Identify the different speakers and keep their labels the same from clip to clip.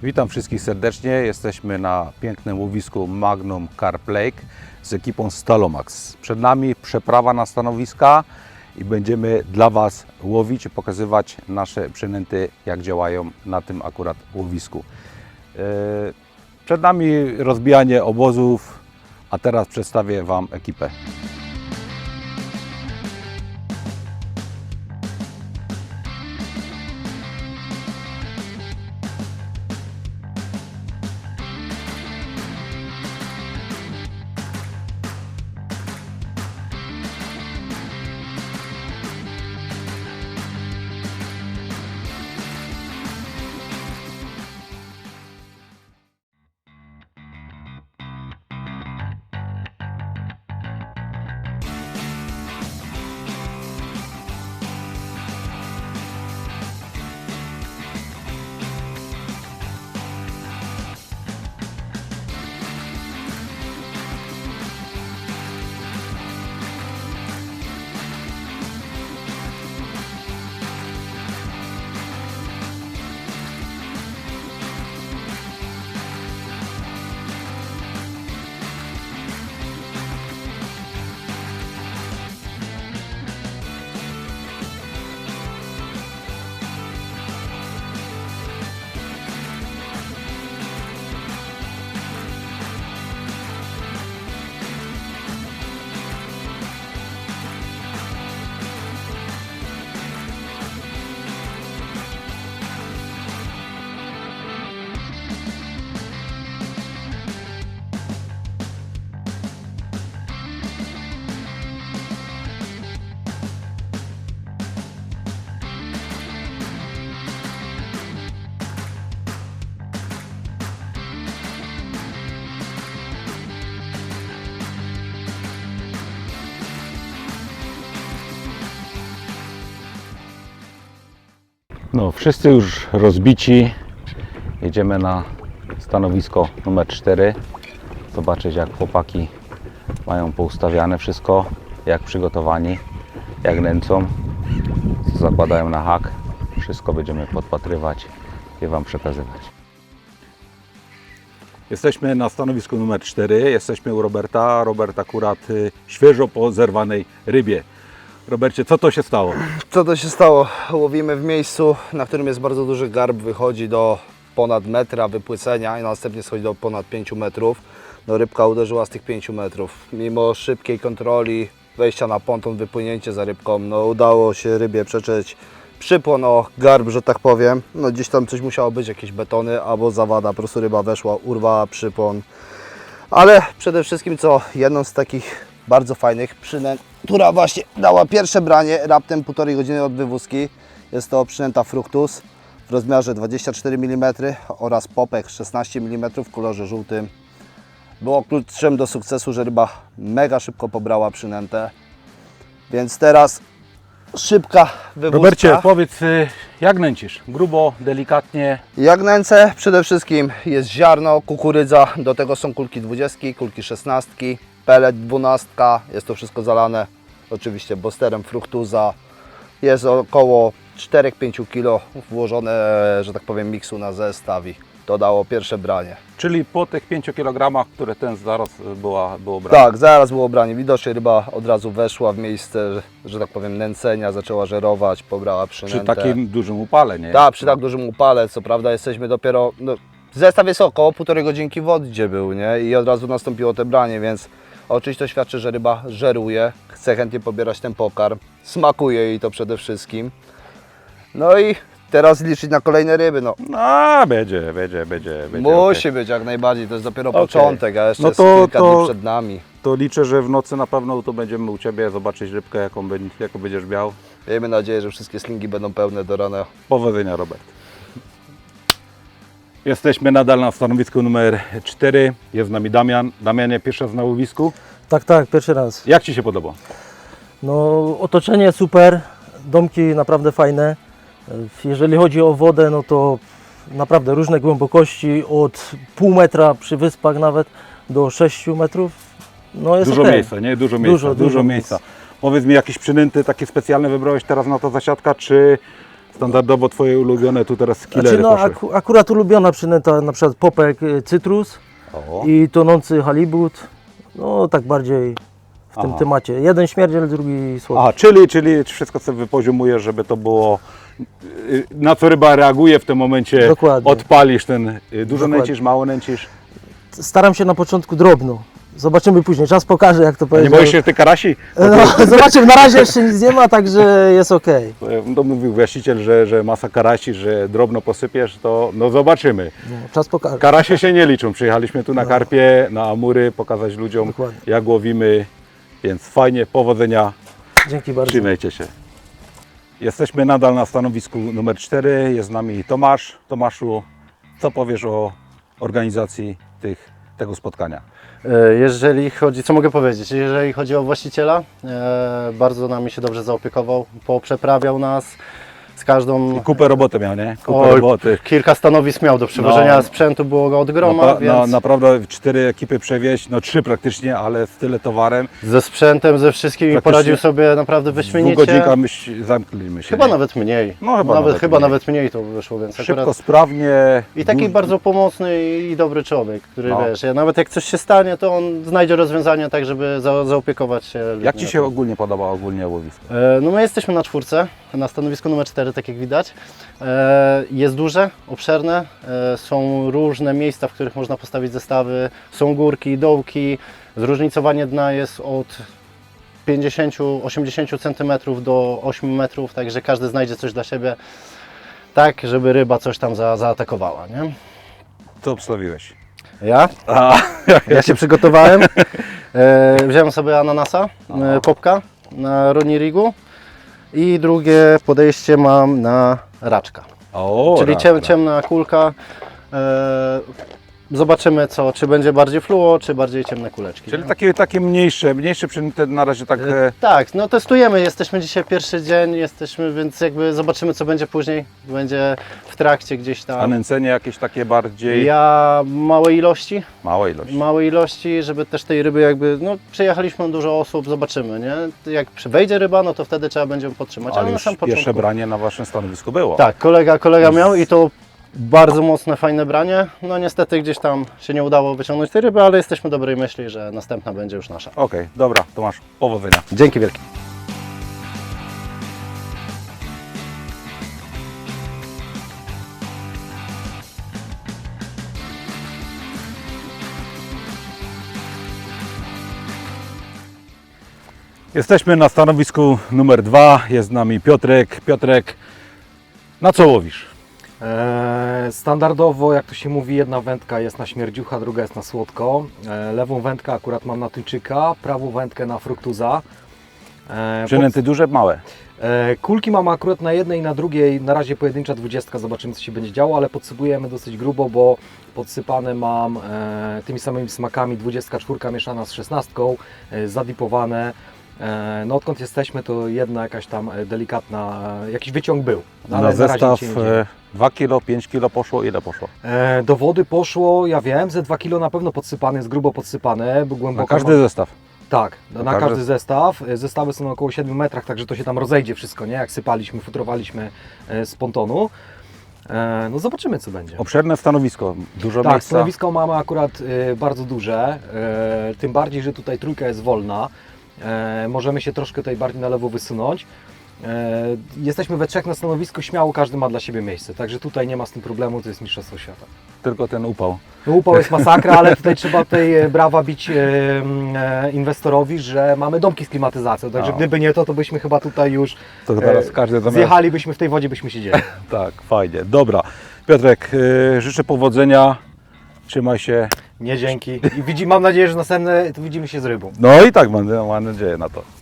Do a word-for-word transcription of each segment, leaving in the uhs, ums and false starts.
Speaker 1: Witam wszystkich serdecznie. Jesteśmy na pięknym łowisku Magnum Carp Lake z ekipą Stalomax. Przed nami przeprawa na stanowiska i będziemy dla Was łowić i pokazywać nasze przynęty, jak działają na tym akurat łowisku. Przed nami rozbijanie obozów, a teraz przedstawię Wam ekipę. No, wszyscy już rozbici. Jedziemy na stanowisko numer cztery. Zobaczyć, jak chłopaki mają poustawiane wszystko, jak przygotowani, jak nęcą, co zakładają na hak. Wszystko będziemy podpatrywać i Wam przekazywać. Jesteśmy na stanowisku numer cztery. Jesteśmy u Roberta. Robert akurat y, świeżo po zerwanej rybie. Robercie, co to się stało?
Speaker 2: Co to się stało? Łowimy w miejscu, na którym jest bardzo duży garb, wychodzi do ponad metra wypłycenia i następnie schodzi do ponad pięciu metrów. No, rybka uderzyła z tych pięciu metrów. Mimo szybkiej kontroli, wejścia na ponton, wypłynięcie za rybką, no udało się rybie przeczyć przypłon o garb, że tak powiem. No gdzieś tam coś musiało być, jakieś betony albo zawada, po prostu ryba weszła, urwała przypłon. Ale przede wszystkim co, jedną z takich bardzo fajnych przynęt, która właśnie dała pierwsze branie raptem półtorej godziny od wywózki. Jest to przynęta Fructus w rozmiarze dwadzieścia cztery milimetry oraz popek szesnaście milimetrów w kolorze żółtym. Było kluczem do sukcesu, że ryba mega szybko pobrała przynętę. Więc teraz szybka wywózka.
Speaker 1: Robercie, powiedz, jak nęcisz? Grubo, delikatnie?
Speaker 2: Jak nęcę, przede wszystkim jest ziarno, kukurydza, do tego są kulki dwudziestki, kulki szesnastki, pelet dwunastka, jest to wszystko zalane oczywiście bosterem Fructusa. Jest około cztery do pięciu kilo włożone, że tak powiem, miksu na zestaw i to dało pierwsze branie.
Speaker 1: Czyli po tych pięciu kilogramach, które ten zaraz była, było branie?
Speaker 2: Tak, zaraz było branie. Widocznie ryba od razu weszła w miejsce, że, że tak powiem, nęcenia, zaczęła żerować, pobrała przynętę.
Speaker 1: Przy takim dużym upale, nie?
Speaker 2: Tak, przy tak dużym upale, co prawda jesteśmy dopiero, no, zestaw jest około półtorej godzinki w wodzie był, nie? I od razu nastąpiło te branie, więc oczywiście to świadczy, że ryba żeruje, chce chętnie pobierać ten pokarm, smakuje jej to przede wszystkim. No i teraz liczyć na kolejne ryby, no.
Speaker 1: No, będzie, będzie, będzie. będzie
Speaker 2: Musi
Speaker 1: okay.
Speaker 2: być jak najbardziej, to jest dopiero
Speaker 1: Okay.
Speaker 2: początek, a jeszcze
Speaker 1: No
Speaker 2: jest
Speaker 1: to-
Speaker 2: kilka
Speaker 1: to-
Speaker 2: dni przed nami.
Speaker 1: To liczę, że w nocy na pewno tu będziemy u Ciebie zobaczyć rybkę, jaką, będzie, jaką będziesz miał.
Speaker 2: Miejmy nadzieję, że wszystkie slingi będą pełne do rana.
Speaker 1: Powodzenia, Robert. Jesteśmy nadal na stanowisku numer cztery. Jest z nami Damian. Damianie, pierwszy raz na łowisku.
Speaker 3: Tak, tak, pierwszy raz.
Speaker 1: Jak Ci się podoba?
Speaker 3: No, otoczenie super, domki naprawdę fajne. Jeżeli chodzi o wodę, no to naprawdę różne głębokości, od pół metra przy wyspach nawet do sześciu metrów. No jest
Speaker 1: Dużo
Speaker 3: okej.
Speaker 1: miejsca, nie? Dużo miejsca,
Speaker 3: Dużo,
Speaker 1: dużo,
Speaker 3: dużo
Speaker 1: miejsca.
Speaker 3: miejsc.
Speaker 1: Powiedz mi, jakieś przynęty takie specjalne wybrałeś teraz na to zasiadka, czy Standardowo Twoje ulubione tu teraz skillery
Speaker 3: Znaczy, no,
Speaker 1: poszły.
Speaker 3: aku, akurat ulubiona przynęta na przykład popek y, cytrus
Speaker 1: O.
Speaker 3: i tonący halibut. No tak bardziej w tym
Speaker 1: Aha.
Speaker 3: temacie. Jeden śmierdziel, drugi słodki.
Speaker 1: A, czyli, czyli wszystko co wypoziomujesz, żeby to było, y, na co ryba reaguje w tym momencie,
Speaker 3: Dokładnie.
Speaker 1: odpalisz ten, y, dużo
Speaker 3: Dokładnie.
Speaker 1: nęcisz, mało nęcisz.
Speaker 3: Staram się na początku drobno. Zobaczymy później, czas pokaże jak to
Speaker 1: A nie
Speaker 3: powiedział.
Speaker 1: boisz się ty karasi?
Speaker 3: No, zobaczymy, na razie jeszcze nic nie ma, także jest ok.
Speaker 1: To mówił właściciel, że, że masa karasi, że drobno posypiesz, to no zobaczymy.
Speaker 3: No, czas pokaże.
Speaker 1: Karasie się nie liczą, przyjechaliśmy tu na karpie, na amury, pokazać ludziom
Speaker 3: Dokładnie.
Speaker 1: jak łowimy, więc fajnie, powodzenia,
Speaker 3: Dzięki bardzo.
Speaker 1: trzymajcie się. Jesteśmy nadal na stanowisku numer cztery, jest z nami Tomasz. Tomaszu, co powiesz o organizacji tych, tego spotkania?
Speaker 4: E, Jeżeli chodzi, co mogę powiedzieć, jeżeli chodzi o właściciela, e, bardzo nami się dobrze zaopiekował, poprzeprawiał nas z każdą,
Speaker 1: Kupę roboty miał, nie? Kupę
Speaker 4: Oj,
Speaker 1: roboty.
Speaker 4: kilka stanowisk miał do przewożenia,
Speaker 1: No.
Speaker 4: sprzętu było go od groma,
Speaker 1: Napra-
Speaker 4: więc
Speaker 1: no, naprawdę cztery ekipy przewieźć, no trzy praktycznie, ale z tyle towarem.
Speaker 4: ze sprzętem, ze wszystkim
Speaker 1: Praktycznie
Speaker 4: poradził sobie naprawdę
Speaker 1: W dwóch
Speaker 4: wyśmienicie.
Speaker 1: godzinkach myśl, zamknęliśmy się.
Speaker 4: Chyba
Speaker 1: nie?
Speaker 4: nawet mniej,
Speaker 1: No, chyba
Speaker 4: nawet,
Speaker 1: nawet
Speaker 4: chyba
Speaker 1: mniej.
Speaker 4: nawet mniej to wyszło, więc
Speaker 1: Szybko,
Speaker 4: akurat...
Speaker 1: sprawnie.
Speaker 4: I taki
Speaker 1: duż-
Speaker 4: bardzo pomocny i dobry człowiek, który
Speaker 1: No.
Speaker 4: wiesz, ja nawet jak coś się stanie, to on znajdzie rozwiązania tak, żeby za, zaopiekować się ludźmi.
Speaker 1: Jak Ci się ogólnie podoba ogólnie łowisko?
Speaker 4: E, No my jesteśmy na czwórce, na stanowisku numer cztery, tak jak widać. E, Jest duże, obszerne, e, są różne miejsca, w których można postawić zestawy, są górki, dołki, zróżnicowanie dna jest od pięćdziesiąt do osiemdziesięciu centymetrów do ośmiu metrów, także każdy znajdzie coś dla siebie, tak żeby ryba coś tam za, zaatakowała, nie?
Speaker 1: Co obstawiłeś?
Speaker 4: Ja?
Speaker 1: A,
Speaker 4: Ja się przygotowałem, e, wziąłem sobie ananasa, e, popka na Ronnie Rigu i drugie podejście mam na raczka.
Speaker 1: o,
Speaker 4: Czyli
Speaker 1: raz,
Speaker 4: ciem,
Speaker 1: raz.
Speaker 4: ciemna kulka. E, zobaczymy co, czy będzie bardziej fluo, czy bardziej ciemne kuleczki.
Speaker 1: Czyli
Speaker 4: nie?
Speaker 1: takie, takie mniejsze, mniejsze przynęty na razie tak. E,
Speaker 4: Tak, no testujemy, jesteśmy dzisiaj pierwszy dzień, jesteśmy, więc jakby zobaczymy co będzie później. Będzie w trakcie gdzieś
Speaker 1: a
Speaker 4: tam.
Speaker 1: nęcenie jakieś takie bardziej
Speaker 4: Ja małe ilości,
Speaker 1: małe ilości.
Speaker 4: małe ilości, żeby też tej ryby jakby, no przyjechaliśmy dużo osób, zobaczymy, nie? Jak przy- wejdzie ryba, no to wtedy trzeba będzie ją podtrzymać, ale,
Speaker 1: Ale
Speaker 4: na
Speaker 1: już
Speaker 4: sam
Speaker 1: pierwsze
Speaker 4: początku.
Speaker 1: branie na Waszym stanowisku było.
Speaker 4: Tak, kolega, kolega miał i to bardzo mocne, fajne branie. No niestety gdzieś tam się nie udało wyciągnąć tej ryby, ale jesteśmy dobrej myśli, że następna będzie już nasza.
Speaker 1: Okej, dobra, Tomasz, powodzenia.
Speaker 4: Dzięki wielkie.
Speaker 1: Jesteśmy na stanowisku numer dwa, jest z nami Piotrek. Piotrek, na co łowisz?
Speaker 5: Eee, Standardowo, jak to się mówi, jedna wędka jest na śmierdziucha, druga jest na słodko. Eee, Lewą wędkę akurat mam na tuńczyka, prawą wędkę na fruktuza. Eee,
Speaker 1: Przynęty duże, małe.
Speaker 5: pod- eee, Kulki mam akurat na jednej i na drugiej, na razie pojedyncza dwudziestka, zobaczymy co się będzie działo, ale podsypujemy dosyć grubo, bo podsypane mam eee, tymi samymi smakami, dwudziestka czwórka mieszana z szesnastką, eee, zadipowane. Eee, No odkąd jesteśmy, to jedna jakaś tam e, delikatna, e, jakiś wyciąg był. No, ale
Speaker 1: Na
Speaker 5: razie
Speaker 1: zestaw
Speaker 5: nic się nie dzieje.
Speaker 1: e, dwa kilo, pięć kilo poszło, ile poszło?
Speaker 5: E, do wody poszło, ja wiem, ze dwa kilo na pewno podsypane, jest grubo podsypane, bo
Speaker 1: Na
Speaker 5: głęboko.
Speaker 1: każdy zestaw.
Speaker 5: Tak, na, na
Speaker 1: każdy-
Speaker 5: każdy zestaw. E, Zestawy są na około siedmiu metrach, także to się tam rozejdzie wszystko, nie? Jak sypaliśmy, futrowaliśmy e, z pontonu. E, no zobaczymy co będzie.
Speaker 1: Obszerne stanowisko, dużo
Speaker 5: Tak,
Speaker 1: miejsca.
Speaker 5: stanowisko mamy akurat e, bardzo duże, e, tym bardziej, że tutaj trójka jest wolna. E, możemy się troszkę tutaj bardziej na lewo wysunąć. E, jesteśmy we trzech na stanowisku, śmiało każdy ma dla siebie miejsce, także tutaj nie ma z tym problemu, to jest mistrzostwo świata.
Speaker 1: Tylko ten upał.
Speaker 5: No, upał jest masakra, ale tutaj trzeba tej e, brawa bić e, e, inwestorowi, że mamy domki z klimatyzacją, także
Speaker 1: No.
Speaker 5: gdyby nie to, to byśmy chyba tutaj już
Speaker 1: To teraz
Speaker 5: e,
Speaker 1: każdy zamiast...
Speaker 5: zjechalibyśmy w tej wodzie, byśmy siedzieli.
Speaker 1: Tak, fajnie. Dobra. Piotrek, y, życzę powodzenia. Trzymaj się.
Speaker 5: Nie dzięki. I widzi, mam nadzieję, że następne to widzimy się z rybą.
Speaker 1: No i tak mam, mam nadzieję na to.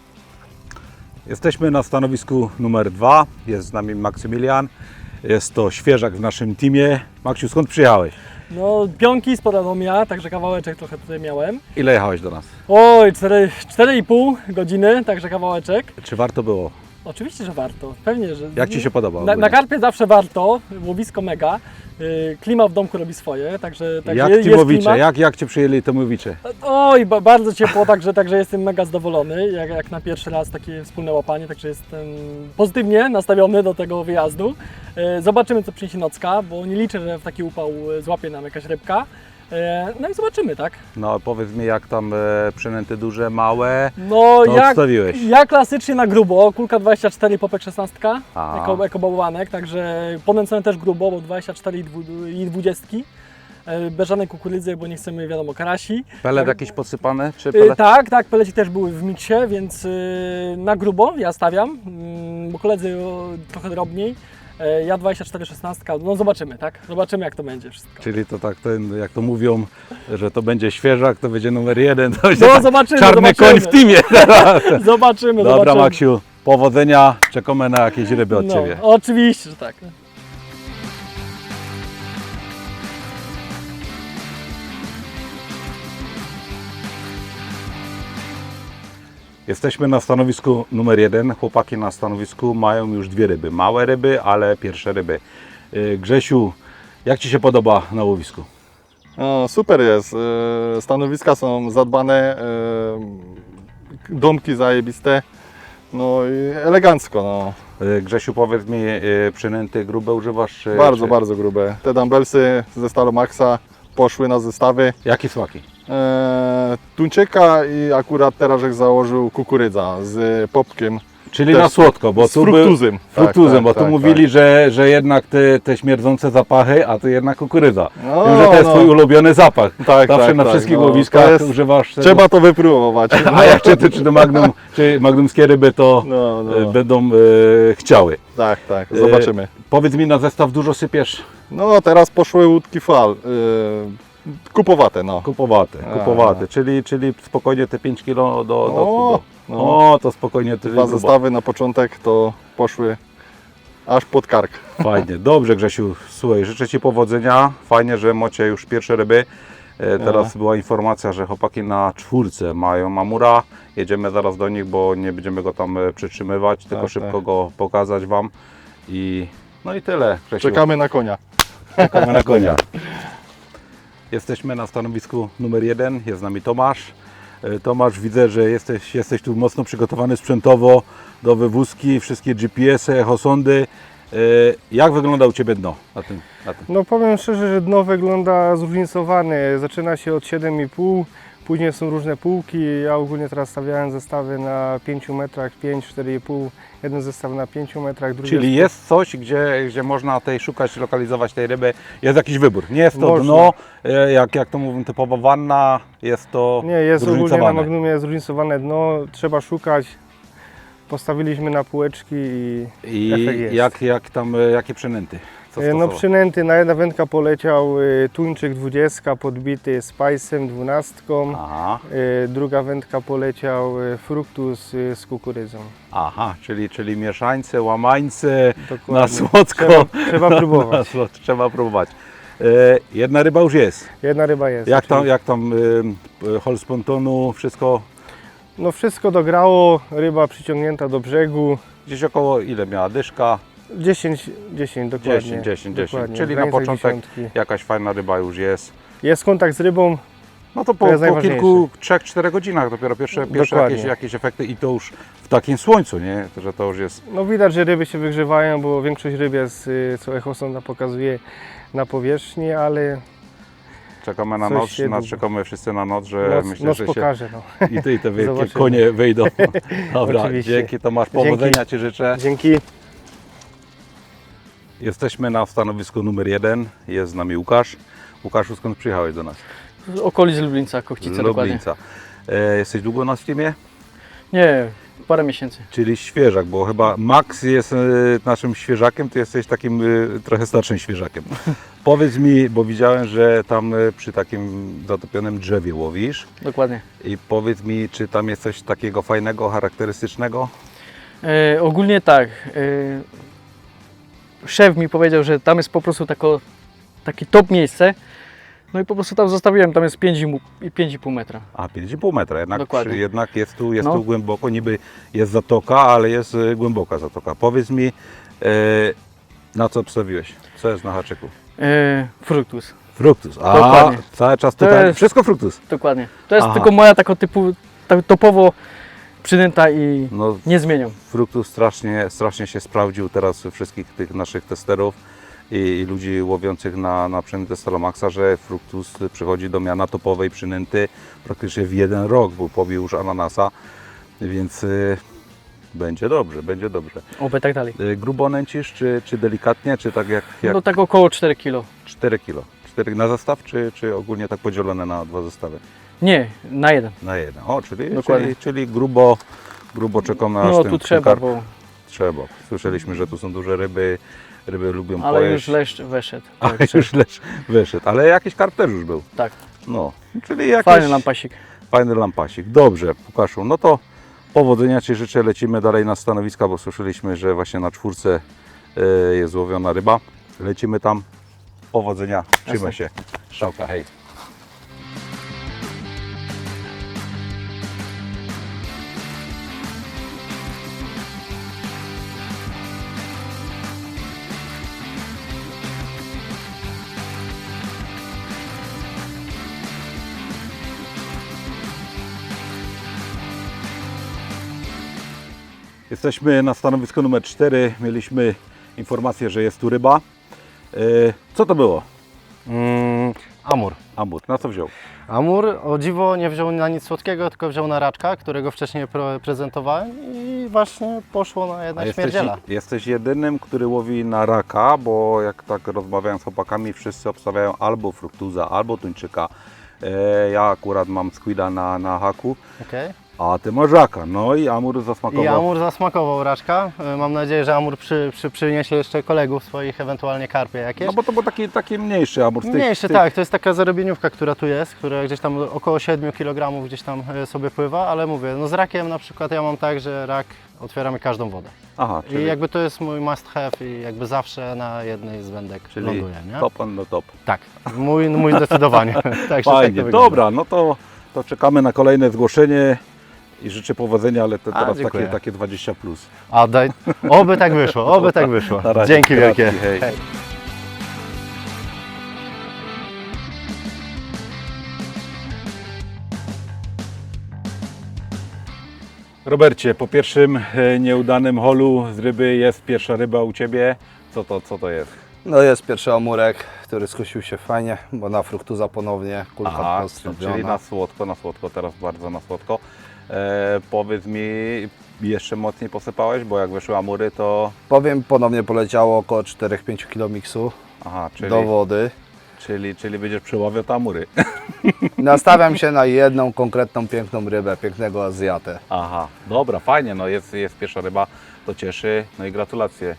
Speaker 1: Jesteśmy na stanowisku numer dwa. Jest z nami Maksymilian. Jest to świeżak w naszym teamie. Maksiu, skąd przyjechałeś?
Speaker 6: No, pionki z Podanomia, także kawałeczek trochę tutaj miałem.
Speaker 1: Ile jechałeś do nas?
Speaker 6: Oj, cztery i pół godziny, także kawałeczek.
Speaker 1: Czy warto było?
Speaker 6: Oczywiście, że warto. Pewnie, że...
Speaker 1: Jak Ci się podoba?
Speaker 6: Na, na
Speaker 1: ogólnie?
Speaker 6: karpie zawsze warto, łowisko mega. Yy, Klima w domku robi swoje, także, także
Speaker 1: Jak
Speaker 6: je- jest
Speaker 1: Tymowicze,
Speaker 6: klimat.
Speaker 1: jak, jak Cię przyjęli Tymowicze?
Speaker 6: Oj, ba, bardzo ciepło, także, także jestem mega zadowolony, jak, jak na pierwszy raz takie wspólne łapanie, także jestem pozytywnie nastawiony do tego wyjazdu. E, Zobaczymy, co przyniesie nocka, bo nie liczę, że w taki upał e, złapie nam jakaś rybka. E, No i zobaczymy, tak?
Speaker 1: No powiedz mi, jak tam e, przynęty duże, małe,
Speaker 6: No,
Speaker 1: to
Speaker 6: jak,
Speaker 1: odstawiłeś?
Speaker 6: ja klasycznie na grubo, kulka dwadzieścia cztery, popek szesnaście,
Speaker 1: A.
Speaker 6: jako, jako bałwanek, także ponęcony też grubo, bo dwadzieścia cztery i dwu- i dwadzieścia. E, Bez żadnej kukurydzy, bo nie chcemy, wiadomo, karasi.
Speaker 1: Pelet jakiś podsypany? Czy
Speaker 6: Y,
Speaker 1: pelet?
Speaker 6: tak, tak, peleci też były w miksie, więc y, na grubo ja stawiam, mm, bo koledzy o, trochę drobniej. E, Ja dwadzieścia cztery szesnaście, no zobaczymy, tak? Zobaczymy, jak to będzie wszystko.
Speaker 1: Czyli to tak, ten, jak to mówią, że to będzie świeżak, to będzie numer jeden, to będzie
Speaker 6: No
Speaker 1: tak
Speaker 6: zobaczymy,
Speaker 1: czarny
Speaker 6: zobaczymy.
Speaker 1: koń w teamie.
Speaker 6: Zobaczymy,
Speaker 1: Dobra
Speaker 6: zobaczymy.
Speaker 1: Maksiu, powodzenia, czekamy na jakieś ryby od
Speaker 6: No,
Speaker 1: Ciebie.
Speaker 6: oczywiście, że tak.
Speaker 1: Jesteśmy na stanowisku numer jeden. Chłopaki na stanowisku mają już dwie ryby. Małe ryby, ale pierwsze ryby. Yy, Grzesiu, jak Ci się podoba na łowisku?
Speaker 7: No, super jest. E, Stanowiska są zadbane, e, domki zajebiste. No i elegancko. No.
Speaker 1: Yy, Grzesiu, powiedz mi, yy, przynęty grube używasz? Czy,
Speaker 7: Bardzo,
Speaker 1: czy...
Speaker 7: bardzo grube. Te dumbbellsy ze Stalomaxa poszły na zestawy.
Speaker 1: Jakie smaki?
Speaker 7: E, tuńczyka i akurat teraz żech założył kukurydza z popkiem.
Speaker 1: Czyli
Speaker 7: Też
Speaker 1: na słodko, bo
Speaker 7: z
Speaker 1: tu był...
Speaker 7: fruktuzem.
Speaker 1: Fruktuzem,
Speaker 7: Tak, tak,
Speaker 1: bo tu
Speaker 7: tak,
Speaker 1: mówili, Że, że jednak te, te śmierdzące zapachy, a tu jednak kukurydza.
Speaker 7: No,
Speaker 1: Wiem, że to jest
Speaker 7: no.
Speaker 1: Twój ulubiony zapach.
Speaker 7: Tak,
Speaker 1: Zawsze
Speaker 7: tak,
Speaker 1: na
Speaker 7: tak,
Speaker 1: wszystkich
Speaker 7: no.
Speaker 1: łowiskach
Speaker 7: To jest-
Speaker 1: używasz tego.
Speaker 7: Trzeba to wypróbować.
Speaker 1: A jak czy, czy to magnum, czy magnumskie ryby to
Speaker 7: No, no.
Speaker 1: e, będą e, chciały.
Speaker 7: Tak, tak, zobaczymy.
Speaker 1: E, powiedz mi, na zestaw dużo sypiesz?
Speaker 7: No teraz poszły łódki fal. E, kupowate, no.
Speaker 1: Kupowate,
Speaker 7: A.
Speaker 1: kupowate, czyli, czyli spokojnie te pięć kilo do... do,
Speaker 7: O,
Speaker 1: do
Speaker 7: no.
Speaker 1: o, to spokojnie tyle
Speaker 7: Dwa
Speaker 1: grubo.
Speaker 7: zestawy na początek to poszły aż pod kark.
Speaker 1: Fajnie, dobrze Grzesiu, słuchaj, życzę Ci powodzenia, fajnie, że macie już pierwsze ryby. E, Teraz była informacja, że chłopaki na czwórce mają mamura, jedziemy zaraz do nich, bo nie będziemy go tam e, przytrzymywać, tylko
Speaker 7: Tak,
Speaker 1: szybko
Speaker 7: tak.
Speaker 1: go pokazać Wam i no i tyle Grzesiu.
Speaker 7: Czekamy na konia.
Speaker 1: Czekamy na konia. Jesteśmy na stanowisku numer jeden, jest z nami Tomasz. E, Tomasz, widzę, że jesteś, jesteś tu mocno przygotowany sprzętowo do wywózki, wszystkie G P S y, echosondy. E, Jak wygląda u Ciebie dno na tym? Na tym?
Speaker 8: No powiem szczerze, że dno wygląda zróżnicowane. Zaczyna się od siedem i pół, później są różne półki. Ja ogólnie teraz stawiałem zestawy na pięciu metrach, pięć, cztery i pół. Jeden zestaw na pięciu metrach, drugi
Speaker 1: Czyli jest coś, gdzie, gdzie można tej szukać, lokalizować tej ryby. Jest jakiś wybór. Nie jest to
Speaker 8: Można.
Speaker 1: dno, e, jak, jak to mówią, typowa wanna, jest to
Speaker 8: Nie, jest ogólnie na
Speaker 1: zróżnicowane.
Speaker 8: Magnumie zróżnicowane dno, trzeba szukać. Postawiliśmy na półeczki i
Speaker 1: I
Speaker 8: efekt jest.
Speaker 1: jak, jak tam, e, jakie przynęty? Co
Speaker 8: E, no
Speaker 1: stosować?
Speaker 8: przynęty, na jedna wędka poleciał y, tuńczyk dwudziestka podbity spajsem dwunastką.
Speaker 1: Aha,
Speaker 8: Y, druga wędka poleciał y, fruktus y, z kukurydzą.
Speaker 1: aha, czyli, czyli mieszańce, łamańce,
Speaker 8: Dokładnie.
Speaker 1: na słodko.
Speaker 8: Trzeba, trzeba
Speaker 1: Na
Speaker 8: próbować.
Speaker 1: słodko, trzeba próbować. E, jedna ryba już jest.
Speaker 8: Jedna ryba jest.
Speaker 1: Jak tam,
Speaker 8: oczywiście.
Speaker 1: jak tam e, hol z pontonu, wszystko
Speaker 8: No wszystko dograło, ryba przyciągnięta do brzegu.
Speaker 1: gdzieś około ile miała dyszka?
Speaker 8: dziesięć, dziesięć dokładnie.
Speaker 1: dziesięć, dziesięć, dziesięć.
Speaker 8: Dokładnie,
Speaker 1: Czyli
Speaker 8: w
Speaker 1: na
Speaker 8: granicach
Speaker 1: początek
Speaker 8: dziesiątki.
Speaker 1: jakaś fajna ryba już jest.
Speaker 8: Jest kontakt z rybą,
Speaker 1: No to po,
Speaker 8: To jest
Speaker 1: po
Speaker 8: najważniejsze.
Speaker 1: kilku, trzech, czterech godzinach dopiero pierwsze, pierwsze
Speaker 8: Dokładnie.
Speaker 1: jakieś, jakieś efekty i to już w takim słońcu, nie? Że to już jest.
Speaker 8: no widać, że ryby się wygrzewają, bo większość ryb jest, y, co echosonda pokazuje, na powierzchni, ale
Speaker 1: Czekamy na
Speaker 8: Coś
Speaker 1: noc,
Speaker 8: się
Speaker 1: na,
Speaker 8: długo.
Speaker 1: czekamy wszyscy na noc, że
Speaker 8: noc,
Speaker 1: myślę,
Speaker 8: noc
Speaker 1: że się
Speaker 8: pokaże. No.
Speaker 1: i ty i te wielkie
Speaker 8: Zobaczymy.
Speaker 1: konie wyjdą. Dobra,
Speaker 8: Oczywiście.
Speaker 1: dzięki Tomasz, powodzenia Ci życzę.
Speaker 8: Dzięki.
Speaker 1: Jesteśmy na stanowisku numer jeden, jest z nami Łukasz. Łukaszu, skąd przyjechałeś do nas?
Speaker 9: Z okolic Lublińca, Kochcice
Speaker 1: Z
Speaker 9: dokładnie.
Speaker 1: Lublińca. E, jesteś długo na Steamie?
Speaker 9: Nie, parę miesięcy.
Speaker 1: Czyli świeżak, bo chyba Max jest e, naszym świeżakiem, ty jesteś takim e, trochę starszym świeżakiem. Powiedz mi, bo widziałem, że tam e, przy takim zatopionym drzewie łowisz
Speaker 9: Dokładnie.
Speaker 1: i powiedz mi, czy tam jest coś takiego fajnego, charakterystycznego?
Speaker 9: E, ogólnie tak. E, szef mi powiedział, że tam jest po prostu tako, takie top miejsce. No i po prostu tam zostawiłem, tam jest pięć i pół metra.
Speaker 1: A pięć i pół metra, jednak,
Speaker 9: Dokładnie.
Speaker 1: przy, jednak jest, tu, jest
Speaker 9: No.
Speaker 1: tu głęboko, niby jest zatoka, ale jest y, głęboka zatoka. Powiedz mi, y, na co obstawiłeś? Co jest na haczyku?
Speaker 9: E, fruktus,
Speaker 1: Fruktus. A
Speaker 9: Dokładnie.
Speaker 1: cały czas
Speaker 9: To
Speaker 1: tutaj
Speaker 9: jest-
Speaker 1: wszystko fruktus.
Speaker 9: dokładnie. To jest
Speaker 1: Aha.
Speaker 9: tylko moja taka typu, tak topowo przynęta i
Speaker 1: No,
Speaker 9: nie zmienią.
Speaker 1: fruktus strasznie, strasznie się sprawdził teraz u wszystkich tych naszych testerów i, i ludzi łowiących na, na przynętę Stalomaxa, że fruktus przychodzi do miana topowej przynęty praktycznie w jeden rok, bo pobił już ananasa, więc y, będzie dobrze, będzie dobrze.
Speaker 9: Oby tak dalej.
Speaker 1: Y, grubo nęcisz, czy, czy delikatnie, czy tak jak, jak
Speaker 9: No tak około cztery kilo.
Speaker 1: cztery kilo? cztery na zestaw, czy, czy ogólnie tak podzielone na dwa zestawy?
Speaker 9: Nie, na jeden.
Speaker 1: Na jeden. O, czyli,
Speaker 9: Dokładnie.
Speaker 1: czyli, czyli grubo, grubo czekam na
Speaker 9: No
Speaker 1: ten,
Speaker 9: tu
Speaker 1: ten
Speaker 9: trzeba,
Speaker 1: karp.
Speaker 9: bo...
Speaker 1: Trzeba. Słyszeliśmy, że tu są duże ryby, ryby lubią
Speaker 9: Ale
Speaker 1: pojeść.
Speaker 9: już leszcz weszedł.
Speaker 1: Ale
Speaker 9: Tak,
Speaker 1: już leszcz wyszedł, ale jakiś karp też już był.
Speaker 9: tak.
Speaker 1: No, czyli jakiś
Speaker 9: Fajny lampasik.
Speaker 1: fajny lampasik. Dobrze, Łukaszu, no to powodzenia Ci życzę. Lecimy dalej na stanowiska, bo słyszeliśmy, że właśnie na czwórce y, jest złowiona ryba. Lecimy tam. Powodzenia, trzymaj się. Strzałka, hej. Jesteśmy na stanowisku numer cztery. Mieliśmy informację, że jest tu ryba. Y, Co to było?
Speaker 4: Mm, amur.
Speaker 1: Amur. Na co wziął?
Speaker 4: Amur o dziwo nie wziął na nic słodkiego, tylko wziął na raczka, którego wcześniej pro- prezentowałem i właśnie poszło na
Speaker 1: A
Speaker 4: jedna
Speaker 1: jesteś,
Speaker 4: śmierdziela.
Speaker 1: jesteś jedynym, który łowi na raka, bo jak tak rozmawiałem z chłopakami, wszyscy obstawiają albo fruktuza, albo tuńczyka. E, ja akurat mam squida na, na haku,
Speaker 4: Okay.
Speaker 1: a ty masz raka. No i amur zasmakował.
Speaker 4: I Amur zasmakował raczka. E, Mam nadzieję, że Amur przy, przy, przyniesie jeszcze kolegów swoich, ewentualnie karpie jakieś.
Speaker 1: No bo to był taki, taki mniejszy amur. z tych-
Speaker 4: Mniejszy,
Speaker 1: z tych-
Speaker 4: tak, to jest taka zarobieniówka, która tu jest, która gdzieś tam około siedmiu kilogramów gdzieś tam e, sobie pływa, ale mówię, no z rakiem na przykład ja mam tak, że rak otwieramy każdą wodę.
Speaker 1: Aha, czyli,
Speaker 4: I jakby to jest mój must have i jakby zawsze na jednej z wędek
Speaker 1: czyli
Speaker 4: ląduje, nie?
Speaker 1: top on the top.
Speaker 4: Tak, mój, mój zdecydowanie. Także tak to
Speaker 1: Fajnie,
Speaker 4: wygląda.
Speaker 1: dobra, no to, to czekamy na kolejne zgłoszenie i życzę powodzenia, ale to
Speaker 4: A,
Speaker 1: teraz
Speaker 4: dziękuję.
Speaker 1: takie, takie dwadzieścia plus.
Speaker 4: A daj, oby tak wyszło, oby tak wyszło.
Speaker 1: Na razie.
Speaker 4: Dzięki wielkie.
Speaker 1: Kratki, hej.
Speaker 4: Hej.
Speaker 1: Robercie, po pierwszym e, nieudanym holu z ryby jest pierwsza ryba u Ciebie. Co to, co to jest?
Speaker 2: No jest pierwszy amurek, który skusił się fajnie, bo na fruktuza ponownie, kulka
Speaker 1: Aha,
Speaker 2: postawiona.
Speaker 1: czyli na słodko, na słodko, teraz bardzo na słodko. E, powiedz mi, jeszcze mocniej posypałeś, bo jak wyszły amury, to...
Speaker 2: Powiem, ponownie poleciało około cztery do pięciu kg miksu
Speaker 1: Aha, czyli,
Speaker 2: do wody.
Speaker 1: czyli, czyli będziesz przeławiał te amury.
Speaker 2: Nastawiam się na jedną konkretną piękną rybę, pięknego Azjatę.
Speaker 1: Aha, dobra, fajnie, no jest, jest pierwsza ryba, to cieszy, no i gratulacje.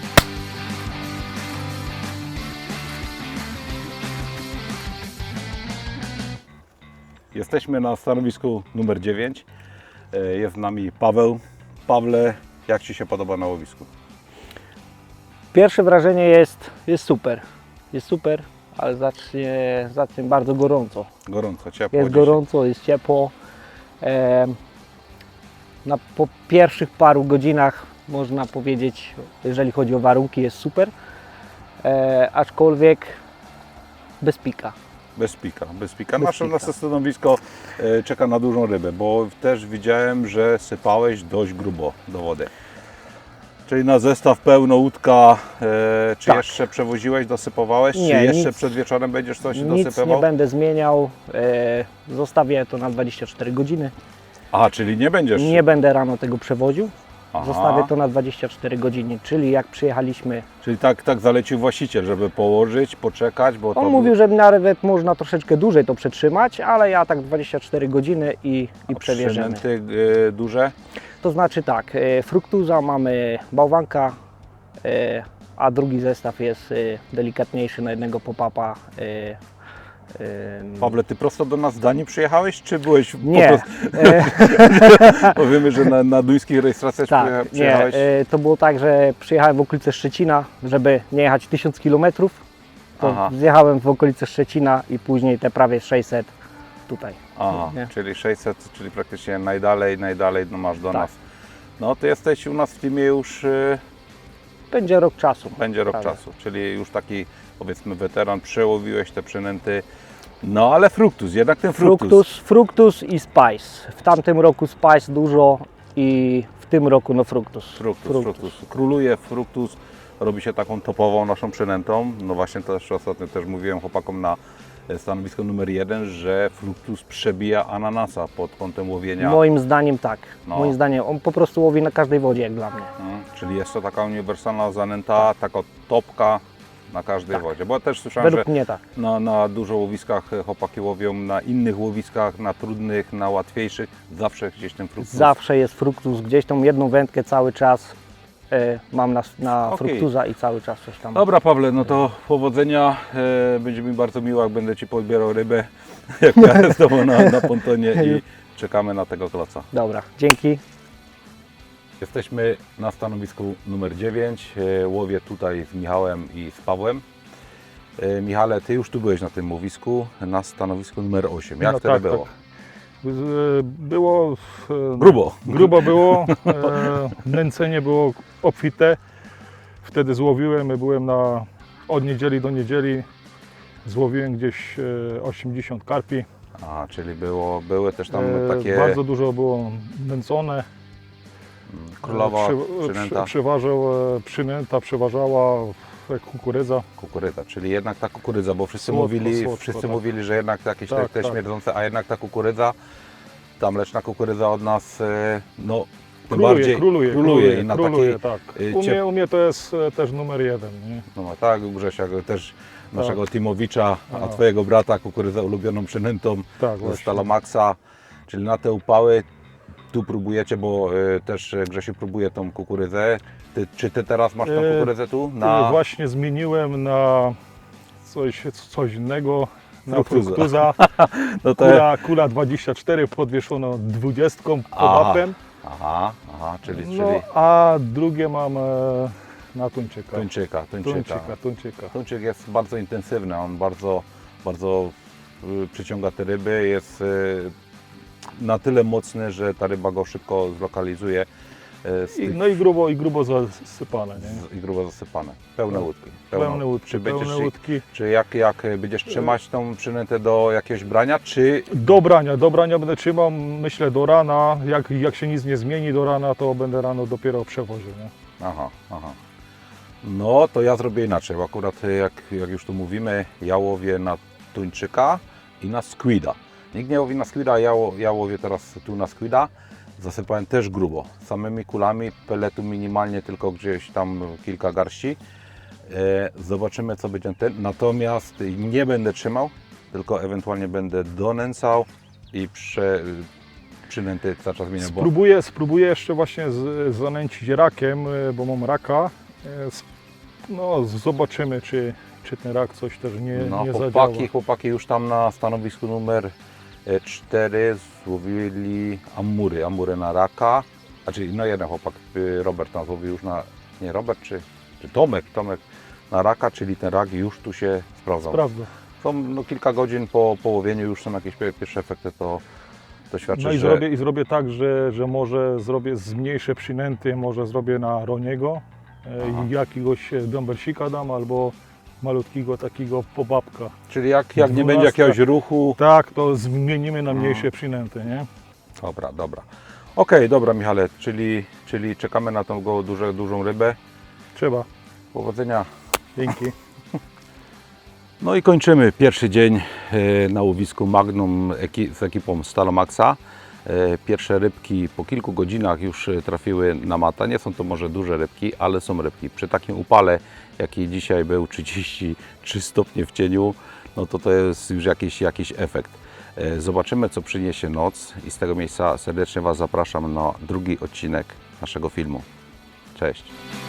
Speaker 1: Jesteśmy na stanowisku numer dziewięć. E, Jest z nami Paweł. Pawle, jak Ci się podoba na łowisku?
Speaker 10: Pierwsze wrażenie jest, jest super. Jest super, ale zacznie, zacznie bardzo gorąco.
Speaker 1: Gorąco, ciepło.
Speaker 10: Jest
Speaker 1: dzisiaj.
Speaker 10: gorąco, jest ciepło. Em, na, po pierwszych paru godzinach można powiedzieć, jeżeli chodzi o warunki, jest super. E, aczkolwiek bez pika.
Speaker 1: Bez pika, bez pika.
Speaker 10: Bez
Speaker 1: Nasze,
Speaker 10: pika.
Speaker 1: nasze stanowisko e, czeka na dużą rybę, bo też widziałem, że sypałeś dość grubo do wody. Czyli na zestaw pełno łódka, e, czy
Speaker 10: Tak.
Speaker 1: jeszcze przewoziłeś, dosypowałeś, czy
Speaker 10: Nie,
Speaker 1: jeszcze
Speaker 10: nic-
Speaker 1: przed wieczorem będziesz coś
Speaker 10: Nic
Speaker 1: dosypywał?
Speaker 10: nie będę zmieniał. E, zostawię to na dwadzieścia cztery godziny.
Speaker 1: Aha, czyli nie będziesz...
Speaker 10: Nie będę rano tego przewoził.
Speaker 1: Aha.
Speaker 10: Zostawię to na dwadzieścia cztery godziny, czyli jak przyjechaliśmy.
Speaker 1: Czyli tak, tak zalecił właściciel, żeby położyć, poczekać, bo to...
Speaker 10: On mówił, że nawet można troszeczkę dłużej to przetrzymać, ale ja tak dwadzieścia cztery godziny i, i
Speaker 1: A
Speaker 10: przewieziemy.
Speaker 1: przynęty e, duże?
Speaker 10: To znaczy tak, e, fruktuza, mamy bałwanka, e, a drugi zestaw jest e, delikatniejszy na jednego pop-upa. e, e,
Speaker 1: Pawle, Ty prosto do nas z Danii przyjechałeś, czy byłeś
Speaker 10: Nie,
Speaker 1: po prostu...
Speaker 10: e,
Speaker 1: Powiemy, że na, na duńskich rejestracjach przyjecha-
Speaker 10: tak, nie,
Speaker 1: przyjechałeś?
Speaker 10: e, to było tak, że przyjechałem w okolice Szczecina, żeby nie jechać tysiąc kilometrów To
Speaker 1: Aha.
Speaker 10: zjechałem w okolice Szczecina i później te prawie sześćset tutaj.
Speaker 1: Aha,
Speaker 10: Nie?
Speaker 1: czyli sześćset, czyli praktycznie najdalej, najdalej no masz do
Speaker 10: Tak.
Speaker 1: nas. No ty jesteś u nas w teamie już, y,
Speaker 10: Będzie rok czasu.
Speaker 1: będzie rok
Speaker 10: prawie.
Speaker 1: czasu, czyli już taki powiedzmy weteran, przełowiłeś te przynęty. No ale fruktus, jednak ten fruktus.
Speaker 10: Fructus, Fructus i Spice. W tamtym roku Spice dużo i w tym roku no Fructus.
Speaker 1: Fruktus, fruktus. Króluje fruktus, robi się taką topową naszą przynętą. No właśnie też ostatnio też mówiłem chłopakom na stanowisko numer jeden, że fruktus przebija ananasa pod kątem łowienia.
Speaker 10: Moim zdaniem tak.
Speaker 1: No.
Speaker 10: Moim zdaniem on po prostu łowi na każdej wodzie jak dla mnie.
Speaker 1: Mm, czyli jest to taka uniwersalna zanęta, taka topka na każdej
Speaker 10: Tak.
Speaker 1: wodzie. Bo ja też słyszałem,
Speaker 10: Według
Speaker 1: że
Speaker 10: mnie tak.
Speaker 1: na, na dużo łowiskach chłopaki łowią, na innych łowiskach, na trudnych, na łatwiejszych, zawsze gdzieś ten fruktus.
Speaker 10: Zawsze jest Fructus, gdzieś tą jedną wędkę cały czas e, mam na, na
Speaker 1: Okej.
Speaker 10: Fructusa i cały czas coś tam.
Speaker 1: Dobra Pawle, no to powodzenia, e, będzie mi bardzo miło, jak będę Ci podbierał rybę, jak ja z Tobą na, na pontonie i czekamy na tego kloca.
Speaker 10: Dobra, dzięki.
Speaker 1: Jesteśmy na stanowisku numer dziewięć, e, łowię tutaj z Michałem i z Pawłem. E, Michale, Ty już tu byłeś na tym łowisku, na stanowisku numer osiem. Jak
Speaker 7: No
Speaker 1: wtedy
Speaker 7: tak,
Speaker 1: było?
Speaker 7: tak. Z- Było e,
Speaker 1: Grubo.
Speaker 7: grubo było, e, nęcenie było obfite. Wtedy złowiłem, byłem na, od niedzieli do niedzieli, złowiłem gdzieś e, osiemdziesiąt karpi.
Speaker 1: A, czyli było, były też tam
Speaker 7: E,
Speaker 1: takie
Speaker 7: Bardzo dużo było nęcone.
Speaker 1: królowa
Speaker 7: Przy-
Speaker 1: przynęta,
Speaker 7: przy- Przeważał, e, przynęta przeważała jak kukurydza.
Speaker 1: kukurydza, czyli jednak ta kukurydza, bo wszyscy
Speaker 7: Słodko,
Speaker 1: mówili,
Speaker 7: słodko,
Speaker 1: wszyscy
Speaker 7: tak.
Speaker 1: mówili, że jednak jakieś
Speaker 7: Tak,
Speaker 1: te, te
Speaker 7: tak.
Speaker 1: śmierdzące, a jednak ta kukurydza, ta mleczna kukurydza od nas, e, no tym
Speaker 7: Króluje,
Speaker 1: bardziej
Speaker 7: króluje,
Speaker 1: króluje
Speaker 7: króluje,
Speaker 1: i na
Speaker 7: króluje,
Speaker 1: takiej,
Speaker 7: tak.
Speaker 1: y,
Speaker 7: U
Speaker 1: ciep-
Speaker 7: mnie, u mnie to jest e, też numer jeden. Nie?
Speaker 1: no tak, u Grzesia też naszego
Speaker 7: Tak.
Speaker 1: Timowicza, a
Speaker 7: A.
Speaker 1: twojego brata kukurydza ulubioną przynętą
Speaker 7: Tak,
Speaker 1: ze
Speaker 7: właśnie.
Speaker 1: Stalomaxa, czyli na te upały tu próbujecie, bo e, też e, Grzesiu próbuje tą kukurydzę. Ty, czy ty teraz masz tą
Speaker 7: E,
Speaker 1: kukurydzę tu?
Speaker 7: Na... Właśnie zmieniłem na coś, coś innego, na
Speaker 1: Fruktuza.
Speaker 7: fruktuza.
Speaker 1: no to...
Speaker 7: Kula, kula dwadzieścia cztery podwieszono dwudziestką pod
Speaker 1: Aha.
Speaker 7: apem.
Speaker 1: Aha, aha, czyli, czyli
Speaker 7: No, a drugie mam e, na tuńczyka.
Speaker 1: tuńczyka, tuńczyka.
Speaker 7: Tuńczyka, tuńczyka.
Speaker 1: Tuńczyk jest bardzo intensywny, on bardzo, bardzo y, przyciąga te ryby, jest y, na tyle mocny, że ta ryba go szybko zlokalizuje y, z
Speaker 7: I,
Speaker 1: tych,
Speaker 7: no i grubo, i grubo zasypane. Nie?
Speaker 1: z, i grubo zasypane. Pełne
Speaker 7: No.
Speaker 1: łódki.
Speaker 7: Pełne łódki,
Speaker 1: Czy, będziesz,
Speaker 7: pełne łódki.
Speaker 1: czy jak, jak będziesz trzymać tą przynętę do jakiegoś brania, czy
Speaker 7: Do brania, do brania będę trzymał, myślę do rana. Jak, jak się nic nie zmieni do rana, to będę rano dopiero przewoził. Nie?
Speaker 1: Aha, aha. No to ja zrobię inaczej, bo akurat jak, jak już tu mówimy, ja łowię na tuńczyka i na squida. Nikt nie łowi na squida, ja, ło- ja łowię teraz tu na squida. Zasypałem też grubo, samymi kulami, peletu minimalnie tylko gdzieś tam kilka garści. E, zobaczymy co będzie ten, natomiast nie będę trzymał, tylko ewentualnie będę donęcał i prze, przynęty cały czas zmieniam, bo
Speaker 7: Spróbuję, spróbuję jeszcze właśnie z, zanęcić rakiem, e, bo mam raka. E, sp- No, z- zobaczymy, czy, czy ten rak coś też nie,
Speaker 1: no,
Speaker 7: nie
Speaker 1: chłopaki,
Speaker 7: zadziała.
Speaker 1: chłopaki już tam na stanowisku numer cztery złowili amury, amury na raka. Znaczy, no jeden chłopak, y, Robert tam złowił już na, nie Robert, czy, czy Tomek, Tomek na raka, czyli ten rak już tu się sprawdzał.
Speaker 7: Prawda.
Speaker 1: Są no, kilka godzin po połowieniu, już są jakieś pie- pierwsze efekty, to, to świadczy,
Speaker 7: No i
Speaker 1: że...
Speaker 7: zrobię, i zrobię tak, że, że może zrobię zmniejszę przynęty, może zrobię na Roniego e,
Speaker 1: Aha.
Speaker 7: i jakiegoś bąbersika dam, albo malutkiego takiego pobabka.
Speaker 1: Czyli jak, jak nie będzie
Speaker 7: Dwunastka.
Speaker 1: jakiegoś ruchu...
Speaker 7: Tak, to zmienimy na
Speaker 1: No.
Speaker 7: mniejsze przynęty, nie?
Speaker 1: Dobra, dobra. Okej, dobra Michale, czyli, czyli czekamy na tą go duże, dużą rybę.
Speaker 7: Trzeba.
Speaker 1: Powodzenia.
Speaker 7: Dzięki.
Speaker 1: No i kończymy pierwszy dzień e, na łowisku Magnum eki- z ekipą Stalomaxa. E, Pierwsze rybki po kilku godzinach już e, trafiły na mata. Nie są to może duże rybki, ale są rybki. Przy takim upale, jaki dzisiaj był, trzydzieści trzy stopnie w cieniu, no to to jest już jakiś, jakiś efekt. E, Zobaczymy, co przyniesie noc i z tego miejsca serdecznie Was zapraszam na drugi odcinek naszego filmu. Cześć!